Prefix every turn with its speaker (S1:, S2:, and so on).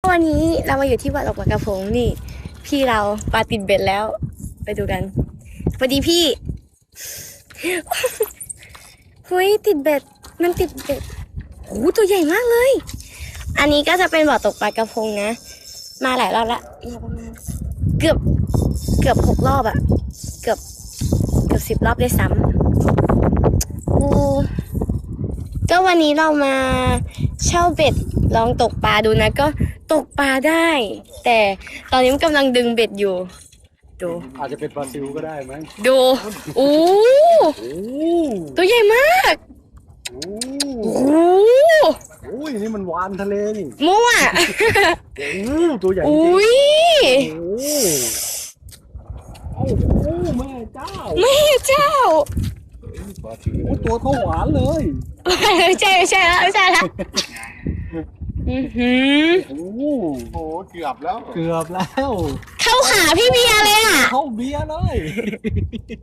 S1: วันนี้เรามาอยู่ที่บ่อตกปลากระพงนี่ พี่เราปลาติดเบ็ดแล้ว ไปดูกันสวัสดีพี่เฮ้ยติดเบ็ดมันติดเบ็ดโอ้ตัวใหญ่มากเลย อันนี้ก็จะเป็นบ่อตกปลากระพงนะมาหลายรอบละประมาณเกือบ6 รอบอะเกือบ10 รอบด้วยซ้ำโอ้ก็วันนี้เรามาเช่าเบ็ดลองตกปลาดูนะก็ตกปลาได้ แต่ตอนนี้มันกำลังดึงเบ็ดอยู่ดู
S2: อาจจะเป็นปลาซิวก็ได้ไหม
S1: ดูโอ้ตัวใหญ่มาก
S2: โอ้
S1: โอ้
S2: ยนี่มันวานทะเลนี่
S1: มั่ว
S2: โอ้ตัวใหญ่จริง
S1: อุ้ย
S2: โอ้แม่เจ้า
S1: แม่เจ้า
S2: ปลาซิวโอ้ตัวเท่าหวานเลย
S1: ใช่แล้วโอ้
S2: โหเกือบแล้ว
S1: เข้าขาพี่เบียร์เลยอ่ะ
S2: เข้าเบียร์เลย